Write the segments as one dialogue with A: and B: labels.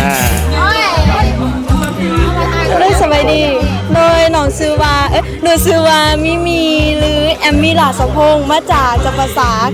A: โดยสบายดีโดยหนองซื้อว่าหนูซื้อว่ามีหรือแอมมี่หลาสะพงมาจากจังหวัดสาก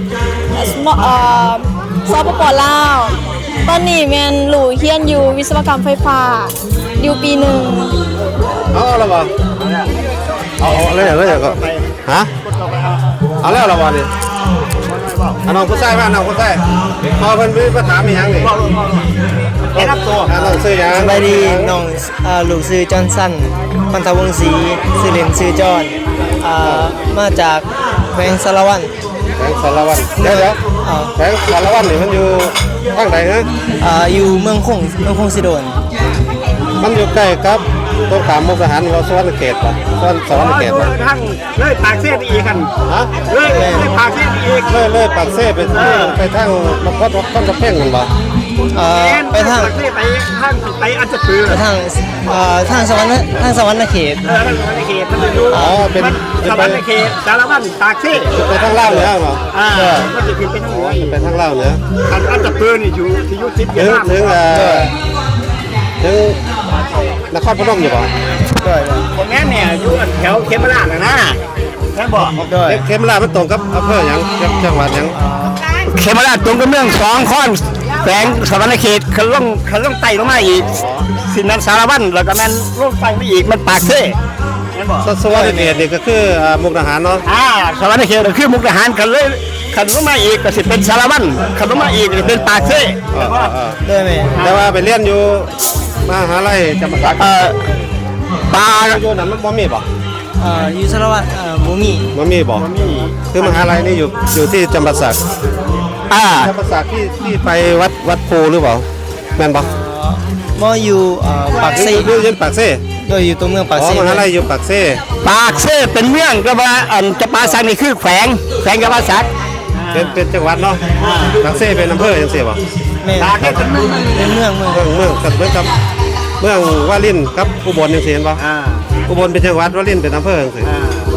A: สปป.ลาวตอนนี้แมนหลูเฮียนอยู่วิศวกรรมไฟฟ้าอยู่ปีหนึ่ง
B: เอาแล้วบ่เอาเลยก็ฮะเอาแล้วบ่นี่น้องผู้ชายบ้านน้องผู้ชายพอเพิ่นไปถามอีหยังนี่แนะนำตัวน้องซื้อหยัง
C: สบายดีน้องลูกซื้อจอห์นสันพันธวงศ์ศรีซื้อเล่นซื้อจอห์นมาจากแขวงสารวัตร
B: แขวงสารวัตรเดี๋ยวแขวงสารวัตรนี่มันอยู่ทางใดฮะ
C: อยู่เมืองคงสิโดน
B: มันอยู่ใกล้กับตรงขามมุกดาหารเราสวรรค์เขตป่ะสวรรค์เขตป่ะ
D: ทั้งเลยปากเสี้ยไปอีกกัน
B: ฮะ
D: เลยปากเสี้ยไปอีก
B: เลยปากเซ่ไปทางมันก็ต้นกระเพ่งมันบ่
C: ไปทาง
D: ปากเสี้ยไปทางไปอันจะปืน
C: ไปทางสวรรค์เขต
D: สวรรค์เขตมันจะดู
B: เป็น
D: สวรรค์เขตสารวัตรปากเสี้ย
B: ไปทางล่างเหนือเหรอ
D: มันจะเป็นทางเหนือ
B: ไปทางล่างเหนือ
D: อันจะปืนนี่อยู่ที่ยุติธรรม
B: ถึงนครพนมอยู่ป่ะ
D: คนนี้เนี่ยอยู่แถวเขมราชนะแค่บอก
B: เขมราชมันตรงกับอำเภอหยังจังหวัดหยัง
D: เขมราชตรงกับเมืองสองข้อนแฝงสวรรค์เขตเขาล่องไต่ลงมาอีกสินั้นสารวัตรแล้วก็มันล่องไต่ไปอีกมันปากเซ่
B: สวรรค์เขตนี่ก็คือมุกดาหารเนาะ
D: สวรรค์เขตก็คือมุกดาหารกันเลยขันลงมาอีกก็สิเป็นสารวัตรขันลงมาอีกเป็นปากเซ่
C: ได้ไหม
B: แต่ว่าไปเรียนอยู่มหาลัยจำปาสัก
D: ปลา
B: อยู่นั่นมันบ่มีบ่
C: อยู่สารวัตรบ่
B: มีบ่คือมหาลัยนี่อยู่ที่จำปาสักจำปาสักที่ไปวัดโพหรือเปล่าแม่นบ่
C: บ่อยู่ปากเซ่
B: อยู่ปากเซ่
C: โดยอยู่ตรงเมืองปากเซ่
B: มหาลัยอยู่ปากเซ่
D: เป็นเมืองก็ว่าจำปาสักนี่คือแขวงจำปาสัก
B: เป็นจังหวัดเนาะปากเซ่เป็นอำเภอจังซี่บ่
C: เป็นเมือง
B: กับเมืองวารินกับอุบลจังซี่เห็นบ่อุบลเป็นจังหวัดวารินเป็นอำเภอจังซี่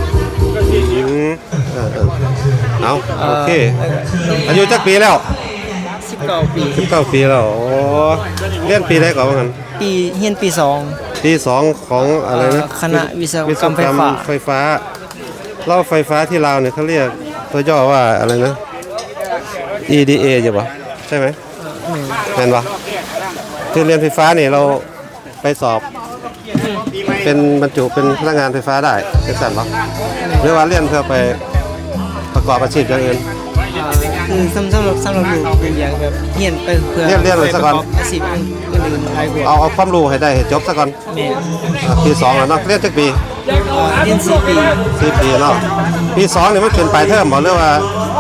B: เอาโอเคอายุจักปีแล้ว19 ปีแล้วโอ้เรียนปีใดก่อนว่างั้น
C: เรียนปี
B: 2ของอะไรนะ
C: คณะวิศวกรรม
B: ไฟฟ้าเราไฟฟ้าที่ลาวเนี่ยเขาเรียกตัวย่อว่าอะไรนะ EDA ใช่ป่ะใช่ไหมแม่นป่ะคือเรียนไฟฟ้าเนี่ยเราไปสอบเป็นบรรจุเป็นพนักงานไฟฟ้าได้เป็นสั่นป่ะหรือว่าเรียนเพื่อไปประกอบอาชีพอย่างอื่น
C: คือสำหรับลูกเป็นอย่างแบบเรียนไปเพื่อ
B: เรียนเลยสักก่อน
C: อาชีพอื่นอะไรกว่า
B: เอาความรู้ให้ได้ให้จบสักก่อนปี2แล้วเนาะเรียนจักปี
C: เรียน4 ปี
B: เนาะปี2นี่มันเป็นปลายเทอมบ่หรือว่า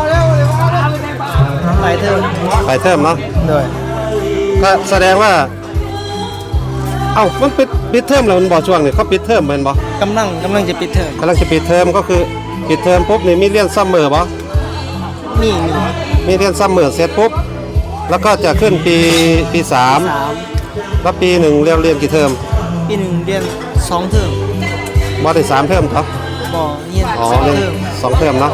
C: ปลายเทอ
B: มเนาะก็แสดงว่ามันปิดเทอมแล้วมันบ่ช่วงนี่เขาปิดเทอมแม่นบ่
C: กำลังจะปิดเทอม
B: จะปิดเทอมก็คือปิดเทอมปุ๊บนี่มีเรียนซัมเมอร์บ่มีเรียนซัมเมอร์เสร็จปุ๊บแล้วก็จะขึ้นปี3แล้วปี1เรียนกี่เทอม
C: ปี1เรียน2เทอม
B: บ่ได้3เทอมเนาะ
C: บ่เรียน2เทอม
B: 2เทอมเนาะ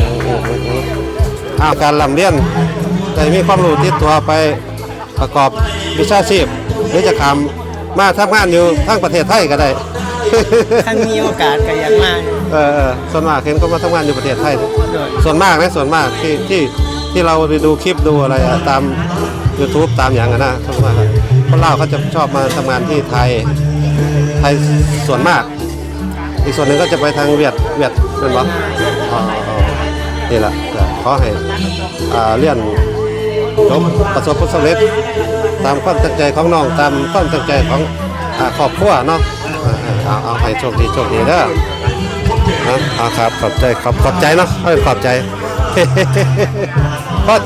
B: การร่ำเรียนได้มีความรู้ติดตัวไปประกอบวิชาชีพหรือจะทำมาทำงานอยู่ทั้งประเทศไทยก็ได้
C: ถ้ามีโอกาสก็อยากมา
B: ส่วนมากเห็นเขามาทำงานอยู่ประเทศไทยส่วนมากที่เราไปดูคลิปดูอะไรตาม YouTube ตามอย่างนะส่วนมากคนลาวเขาจะชอบมาทำงานที่ไทยส่วนมากอีกส่วนหนึ่งก็จะไปทางเวียดเป็นวะนี่แหละขอให้เรียนจบประสบผลสำเร็จตามความตั้งใจของน้องตามความตั้งใจของครอบครัวเนาะเอาให้โชคดีเด้อครับขอบใจเนาะขอบใจ